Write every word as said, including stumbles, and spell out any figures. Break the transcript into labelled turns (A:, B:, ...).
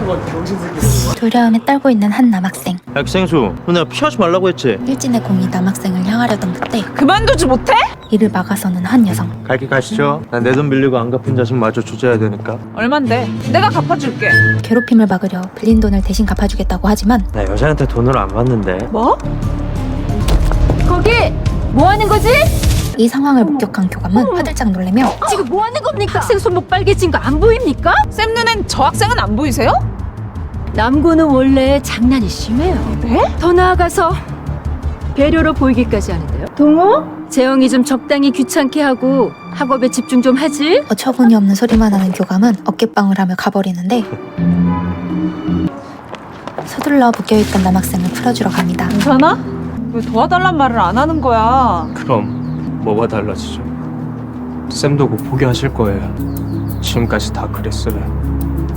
A: 두려움에 떨고 있는 한 남학생.
B: 학생수, 내가 피하지 말라고 했지?
A: 일진의 공이 남학생을 향하려던 그때
C: 그만두지 못해?
A: 이를 막아서는 한 여성.
B: 갈게 가시죠. 난 내 돈 빌리고 안 갚은 자식 마저 조져야 되니까.
C: 얼만데? 내가 갚아줄게.
A: 괴롭힘을 막으려 빌린 돈을 대신 갚아주겠다고 하지만
B: 나 여자한테 돈을 안 받는데.
C: 뭐?
A: 거기 뭐 하는 거지? 이 상황을 목격한 교감은 화들짝 놀래며 지금 뭐 하는 겁니까? 학생 손목 빨개진 거 안 보입니까?
C: 쌤 눈엔 저 학생은 안 보이세요?
D: 남고는 원래 장난이 심해요.
C: 네?
D: 더 나아가서 배려로 보이기까지 하는데요. 동호? 재영이 좀 적당히 귀찮게 하고 학업에 집중 좀 하지?
A: 어처구니 없는 소리만 하는 교감은 어깨빵을 하며 가버리는데 서둘러 묶여있던 남학생을 풀어주러 갑니다.
C: 괜찮아? 왜 도와달란 말을 안 하는 거야?
E: 그럼 뭐가 달라지죠? 쌤도 곧 포기하실 거예요. 지금까지 다 그랬어요.